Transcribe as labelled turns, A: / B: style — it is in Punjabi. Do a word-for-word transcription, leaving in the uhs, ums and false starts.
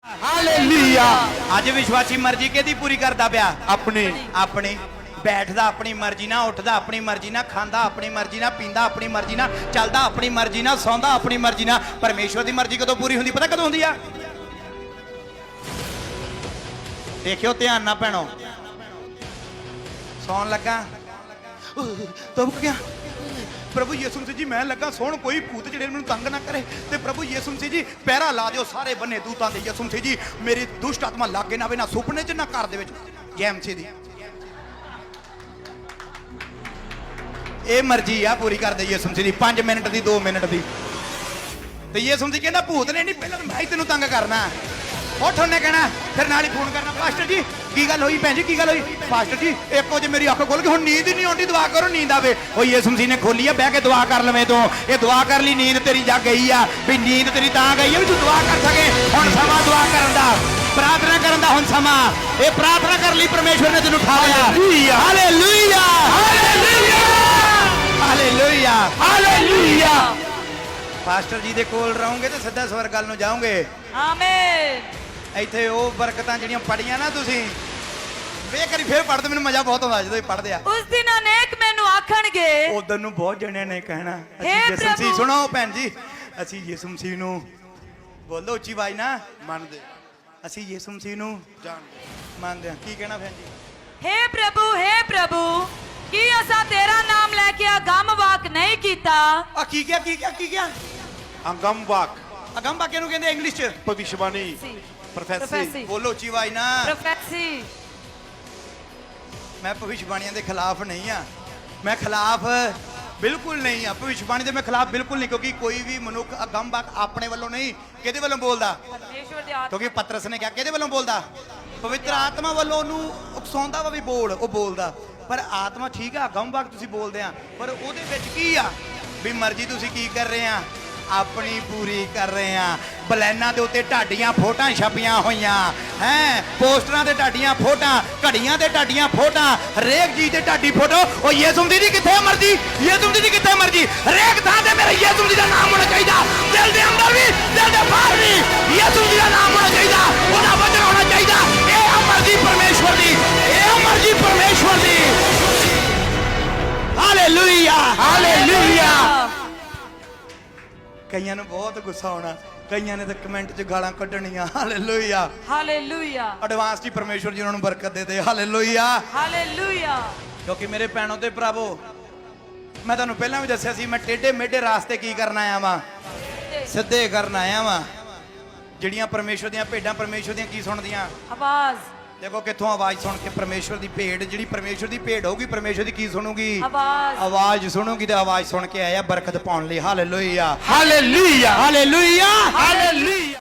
A: हालेलुया।
B: ਅੱਜ ਵਿਸ਼ਵਾਸੀ ਮਰਜ਼ੀ ਕਿਹਦੀ ਪੂਰੀ ਕਰਦਾ ਪਿਆ?
A: अपनी
B: ਆਪਣੀ। ਬੈਠਦਾ ਆਪਣੀ ਮਰਜ਼ੀ ਨਾਲ, ਉੱਠਦਾ ਆਪਣੀ ਮਰਜ਼ੀ ਨਾਲ, ਖਾਂਦਾ ਆਪਣੀ ਮਰਜ਼ੀ ਨਾਲ, ਪੀਂਦਾ ਆਪਣੀ ਮਰਜ਼ੀ ਨਾਲ, ਚੱਲਦਾ ਆਪਣੀ ਮਰਜ਼ੀ ਨਾਲ, ਸੌਂਦਾ ਆਪਣੀ ਮਰਜ਼ੀ ਨਾਲ। ਪਰਮੇਸ਼ਵਰ ਦੀ ਮਰਜ਼ੀ ਕਦੋਂ ਪੂਰੀ ਹੁੰਦੀ? ਪਤਾ ਕਦੋਂ ਹੁੰਦੀ ਆ? ਦੇਖਿਓ ਧਿਆਨ ਨਾਲ ਭੈਣੋ। ਸੌਣ ਲੱਗਾ ਤੁਮਕ ਗਿਆ प्रभु यीशु मसीह जी मैं लगा सोन कोई भूत जेड़े मैनूं तंग ना करे ते प्रभु यीशु मसीह जी पैरा ला दिओ सारे बन्ने दूतां दे। यीशु मसीह जी मेरी दुष्ट आत्मा लागे ना आवे ना सुपने च ना घर दे विच। जय मसीह दी ए मर्जी आ पूरी कर दे यीशु मसीह दी। पांच मिनट दी दो मिनट दी ते यीशु मसीह कहंदा भूत ने नहीं पहले मैं ही तैनूं तंग करना। उठ उन्हें कहना फिर नाल ही फोन करना पास्टर जी की गल हुई भैन जी की गल हुई? पास्टर जी एक वजे मेरी अख खोल के हुण नींद ही नहीं आउंदी दुआ करो नींद आवे। ओ यीशु मसीह ने खोली है बह के दुआ कर लवे तू ये दुआ कर ली नींद तेरी जग गई आ भी नींद तेरी तां गई है भी तू दुआ कर सके। हुण समा दुआ करन दा प्रार्थना करन दा हुण समा ये प्रार्थना कर ली परमेश्वर ने तैनूं उठा लिया। Hallelujah hallelujah hallelujah hallelujah. Pastor ji दे कोल रहोगे तो सीधा स्वर्ग गल नूं जाओगे।
C: आमीन।
B: ਇੱਥੇ ਉਹ ਬਰਕਤਾਂ ਜਿਹੜੀਆਂ ਪੜੀਆਂ ਨਾ ਤੁਸੀਂ ਵੇ ਕਰੀ ਫੇਰ ਪੜਦੇ ਮੈਨੂੰ ਮਜ਼ਾ ਬਹੁਤ ਆਉਂਦਾ ਜਦੋਂ ਪੜਦੇ ਆ।
C: ਉਸ ਦਿਨ ਅਨੇਕ ਮੈਨੂੰ ਆਖਣਗੇ
B: ਉਦੋਂ ਨੂੰ ਬਹੁਤ ਜਣਿਆਂ ਨੇ ਕਹਿਣਾ ਅਸੀਂ
C: ਹੇ
B: ਯਿਸੂ ਮਸੀਹ
C: ਪ੍ਰਭੂ।
B: ਸੁਣੋ ਭੈਣ ਜੀ ਅਸੀਂ ਯਿਸੂ ਮਸੀਹ ਨੂੰ ਬੋਲੋ ਉੱਚੀ ਆਵਾਜ਼ ਨਾ ਮੰਨਦੇ ਅਸੀਂ ਯਿਸੂ ਮਸੀਹ ਨੂੰ ਜਾਣਦੇ ਮੰਨਦੇ ਹਾਂ। ਕੀ ਕਹਿਣਾ ਭੈਣ ਜੀ?
C: हे प्रभु हे प्रभु ਕੀ ਅਸਾਂ ਤੇਰਾ ਨਾਮ ਲੈ ਕੇ ਅਗੰਮ ਵਾਕ ਨਹੀਂ ਕੀਤਾ?
B: ਆ ਕੀ ਕਿਹਾ ਕੀ ਕਿਹਾ ਕੀ ਕਿਹਾ?
A: अंगम वाक
B: ਅਗੰਮ ਵਾਕਿਆ ਨੂੰ ਕਹਿੰਦੇ ਇੰਗਲਿਸ਼ ਚ
A: भविष्यवाणी
B: ਪ੍ਰੋਫੈਸੀ।
C: ਪ੍ਰੋਫੈਸੀ।
B: ਬੋਲੋ ਉੱਚੀ ਆਵਾਜ਼ ਨਾ।
C: ਪ੍ਰੋਫੈਸੀ।
B: ਮੈਂ ਭਵਿੱਖਬਾਣੀਆਂ ਦੇ ਖਿਲਾਫ ਨਹੀਂ ਆ ਮੈਂ ਖਿਲਾਫ ਬਿਲਕੁਲ ਨਹੀਂ ਆ ਭਵਿੱਖਬਾਣੀ ਦੇ ਮੈਂ ਖਿਲਾਫ ਬਿਲਕੁਲ ਨਹੀਂ ਕਿਉਂਕਿ ਕੋਈ ਵੀ ਮਨੁੱਖ ਅਗੰਮ ਵਾਕ ਆਪਣੇ ਵੱਲੋਂ ਨਹੀਂ ਕਿਹਦੇ ਵੱਲੋਂ ਬੋਲਦਾ?
C: ਪਰਮੇਸ਼ਵਰ ਦੀ ਆਤਮਾ
B: ਕਿਉਂਕਿ ਪਤਰਸ ਨੇ ਕਿਹਾ ਕਿਹਦੇ ਵੱਲੋਂ ਬੋਲਦਾ? ਪਵਿੱਤਰ ਆਤਮਾ ਵੱਲੋਂ ਉਹਨੂੰ ਉਕਸਾਉਂਦਾ ਵਾ ਵੀ ਬੋਲ ਉਹ ਬੋਲਦਾ। ਪਰ ਆਤਮਾ ਠੀਕ ਆ ਅਗੰਮ ਵਾਕ ਤੁਸੀਂ ਬੋਲਦੇ ਆ ਪਰ ਉਹਦੇ ਵਿੱਚ ਕੀ ਆ ਵੀ ਮਰਜ਼ੀ ਤੁਸੀਂ ਕੀ ਕਰ ਰਹੇ ਆ ਆਪਣੀ ਪੂਰੀ ਕਰ ਰਹੇ ਆ। ਬਲੈਨਾਂ ਦੇ ਉੱਤੇ ਢਾਡੀਆਂ ਫੋਟਾਂ ਛਪੀਆਂ ਹੋਈਆਂ ਹੈ ਪੋਸਟਰਾਂ ਤੇ ਢਾਡੀਆਂ ਫੋਟਾਂ ਘੜੀਆਂ ਤੇ ਢਾਡੀਆਂ ਫੋਟਾਂ ਹਰੇਕ ਚੀਜ਼ ਤੇ ਢਾਡੀ ਫੋਟੋ। ਉਹ ਯਿਸੂ ਮਸੀਹ ਦੀ ਕਿੱਥੇ ਮਰਜ਼ੀ ਯਿਸੂ ਮਸੀਹ ਦੀ ਕਿੱਥੇ ਮਰਜ਼ੀ ਹਰੇਕ ਥਾਂ ਤੇ ਮੇਰੇ ਯਿਸੂ ਮਸੀਹ ਦਾ ਨਾਮ ਹੋਣਾ ਚਾਹੀਦਾ। ਦਿਲ ਦੇ ਅੰਦਰ ਵੀ ਦਿਲ ਦੇ ਬਾਹਰ ਵੀ ਯਿਸੂ ਮਸੀਹ ਦਾ ਨਾਮ ਹੋਣਾ ਚਾਹੀਦਾ ਉਹਦਾ ਵਚਨ ਹੋਣਾ ਚਾਹੀਦਾ। ਇਹ ਆ ਮਰਜ਼ੀ ਪਰਮੇਸ਼ਵਰ ਦੀ ਇਹ ਆ ਮਰਜ਼ੀ ਪਰਮੇਸ਼ਵਰ ਦੀ। Hallelujah hallelujah. ਕਈਆਂ ਨੂੰ ਬਹੁਤ ਗੁੱਸਾ ਆਉਣਾ ਕਈਆਂ ਨੇ ਤਾਂ ਕਮੈਂਟ 'ਚ ਗਾਲਾਂ ਕੱਢਣੀਆਂ। ਹਾਲੇਲੂਇਆ
C: ਹਾਲੇਲੂਇਆ
B: ਐਡਵਾਂਸ ਦੀ ਪਰਮੇਸ਼ਵਰ ਜੀ ਉਹਨਾਂ ਨੂੰ ਬਰਕਤ ਦੇ ਦੇ। Hallelujah
C: hallelujah.
B: ਕਿਉਂਕਿ ਮੇਰੇ ਭੈਣੋ ਤੇ ਭਰਾਵੋ ਮੈਂ ਤੁਹਾਨੂੰ ਪਹਿਲਾਂ ਵੀ ਦੱਸਿਆ ਸੀ ਮੈਂ ਟੇਢੇ ਮੇਢੇ ਰਾਸਤੇ ਕੀ ਕਰਨ ਆਇਆ ਵਾਂ ਸਿੱਧੇ ਕਰਨ ਆਇਆ ਵਾਂ। ਜਿਹੜੀਆਂ ਪਰਮੇਸ਼ਵਰ ਦੀਆਂ ਭੇਡਾਂ ਪਰਮੇਸ਼ਵਰ ਦੀਆਂ ਕੀ ਸੁਣਦੀਆਂ?
C: ਆਵਾਜ਼।
B: ਦੇਖੋ ਕਿੱਥੋਂ ਆਵਾਜ਼ ਸੁਣ ਕੇ ਪਰਮੇਸ਼ਵਰ ਦੀ ਭੇਡ ਜਿਹੜੀ ਪਰਮੇਸ਼ਵਰ ਦੀ ਭੇਡ ਹੋਊਗੀ ਪਰਮੇਸ਼ਵਰ ਦੀ ਕੀ ਸੁਣੂਗੀ?
C: ਆਵਾਜ਼।
B: ਆਵਾਜ਼ ਸੁਣੂਗੀ ਤੇ ਆਵਾਜ਼ ਸੁਣ ਕੇ ਆਇਆ ਬਰਕਤ ਪਾਉਣ ਲਈ। Hallelujah hallelujah hallelujah hallelujah.